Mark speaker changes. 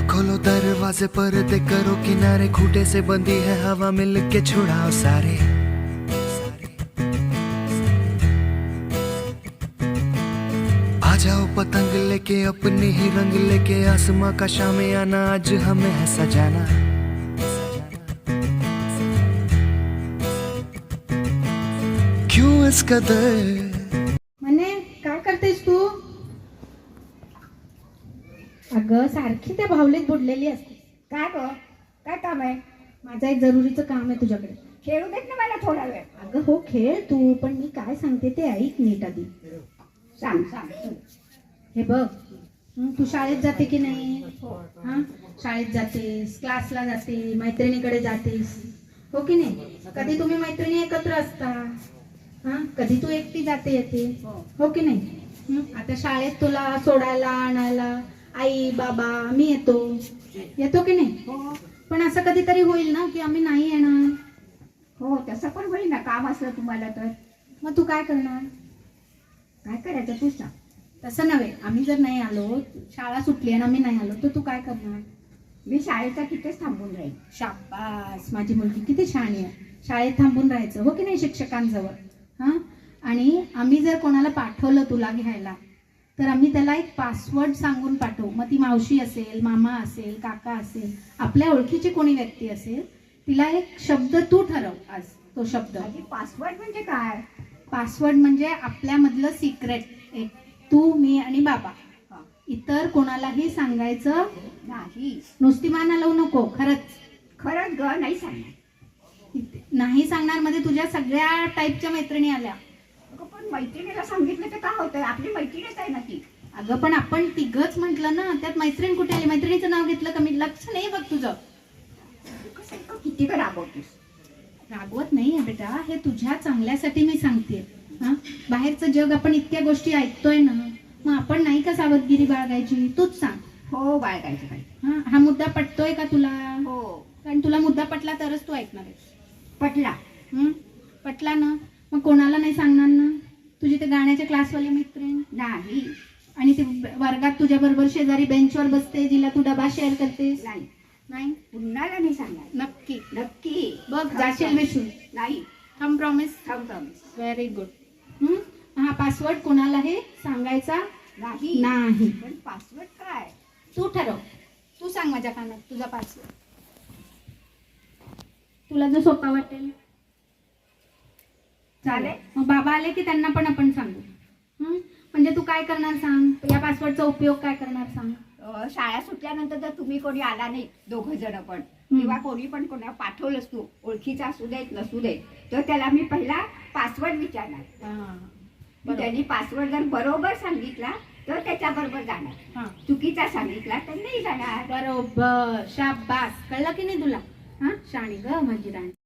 Speaker 1: खोलो दरवाजे पर्दे करो किनारे, खूटे से बंदी है हवा मिल के छुड़ाओ सारे। आ जाओ पतंग लेके अपने ही रंग लेके, आसमां का शाम आना आज हमें है सजाना। क्यों इस कदर
Speaker 2: म्हणे काय करतेस तू? अगं सारखी त्या भावलीत बुडलेली असते.
Speaker 3: काय ग? काय काम आहे?
Speaker 2: माझं एक जरुरीचं काम आहे तुझ्याकडे.
Speaker 3: खेळू देत ना मला थोडा वेळ.
Speaker 2: अगं हो खेळ तू, पण मी काय सांगते ते ऐक नीट आधी.
Speaker 3: सांग सांग.
Speaker 2: हे बघ, तू शाळेत जाते की नाही? हा, शाळेत जातेस, क्लासला जाते, मैत्रिणीकडे जातेस, हो की नाही? कधी तुम्ही मैत्रिणी एकत्र असता, हा, कधी तू एकटी जाते येते, हो की नाही? आता शाळेत तुला सोडायला आणायला आई बाबा मी येतो की नाही?
Speaker 3: हो
Speaker 2: पण असं कधीतरी होईल ना की आम्ही नाही येणार.
Speaker 3: हो तसं पण होईल ना, काम असलं तुम्हाला तर.
Speaker 2: मग तू काय करणार?
Speaker 3: काय करायचं तू सांग.
Speaker 2: तसं नव्हे, आम्ही जर नाही आलो, शाळा सुटली आणि आम्ही नाही आलो तर तू काय करणार?
Speaker 3: मी शाळेचा तिथेच थांबून राहील.
Speaker 2: शाबास, माझी मुलगी किती शहाणी आहे. शाळेत थांबून राहायचं, हो की नाही, शिक्षकांजवळ. हा, आणि आम्ही जर कोणाला पाठवलं तुला घ्यायला तर आम्ही त्याला एक पासवर्ड सांगून पाठवू. मग ती मावशी असेल, मामा असेल, काका असेल, आपल्या ओळखीची कोणी व्यक्ती असेल, तिला एक शब्द तू ठरव आज. तो शब्द
Speaker 3: पासवर्ड म्हणजे काय?
Speaker 2: पासवर्ड म्हणजे आपल्यामधलं सिक्रेट, एक तू मी आणि बाबा. इतर कोणालाही सांगायचं
Speaker 3: नाही.
Speaker 2: नुसती माना लावू नको.
Speaker 3: खरंच ग नाही सांगणार.
Speaker 2: नाही सांगणार मध्ये तुझ्या सगळ्या टाईपच्या मैत्रिणी आल्या.
Speaker 3: पण मैत्रिणीला सांगितलं तर काय होतंय? आपली मैत्रीणच आहे ना ती.
Speaker 2: अगं पण आपण तिघच म्हटलं ना, त्यात मैत्रीण कुठे आली? मैत्रिणीचं नाव घेतलं का? मी लक्ष नाही बघ तुझं.
Speaker 3: किती का रागवतीस?
Speaker 2: रागवत नाही बेटा, हे तुझ्या चांगल्यासाठी मी सांगते. हा, बाहेरचं जग आपण इतक्या गोष्टी ऐकतोय ना, मग आपण नाही का सावधगिरी बाळगायची? तूच सांग.
Speaker 3: हो बाळगायचं काय.
Speaker 2: हा मुद्दा पटतोय का तुला?
Speaker 3: हो.
Speaker 2: कारण तुला मुद्दा पटला तरच तू ऐकणार आहेस.
Speaker 3: पटला.
Speaker 2: पटला ना, मग कोणाला नाही सांगणार ना? तुझी ते गाण्याच्या क्लासवाली मैत्रीण
Speaker 3: नाही.
Speaker 2: आणि ते वर्गात तुझ्या बरोबर शेजारी बेंचवर बसते, जिला तू डबा शेअर करतेस?
Speaker 3: नाही.
Speaker 2: नाही.
Speaker 3: पुन्हाला नाही सांगणार.
Speaker 2: नक्की
Speaker 3: नक्की.
Speaker 2: बघ, जाशील विसरून.
Speaker 3: नाही.
Speaker 2: थांब, प्रॉमिस. Very good. हा पासवर्ड कोणालाही सांगायचा
Speaker 3: नाही.
Speaker 2: नाही.
Speaker 3: पण पासवर्ड काय?
Speaker 2: तू ठरव. तू सांग माझ्या कानात तुझा पासवर्ड, तुला जो सोपा वाटेल.
Speaker 3: चालेल.
Speaker 2: मग बाबा आले की त्यांना पण आपण सांगू. म्हणजे तू काय करणार सांग? या पासवर्डचा उपयोग काय करणार सांग?
Speaker 3: शाळा सुटल्यानंतर जर तुम्ही कोणी आला नाही, दोघं जण पण, किंवा कोणी पण कोणा पाठवलंस तू, ओळखीचा असू देत नसू देत, तर त्याला मी पहिला पासवर्ड विचारणार. त्यांनी पासवर्ड जर बरोबर सांगितला तर त्याच्या बरोबर जाणार, चुकीचा सांगितला तर नाही जाणार.
Speaker 2: बरोबर. शाबास. कळलं की नाही तुला? हा, शाणी ग माझी राणी.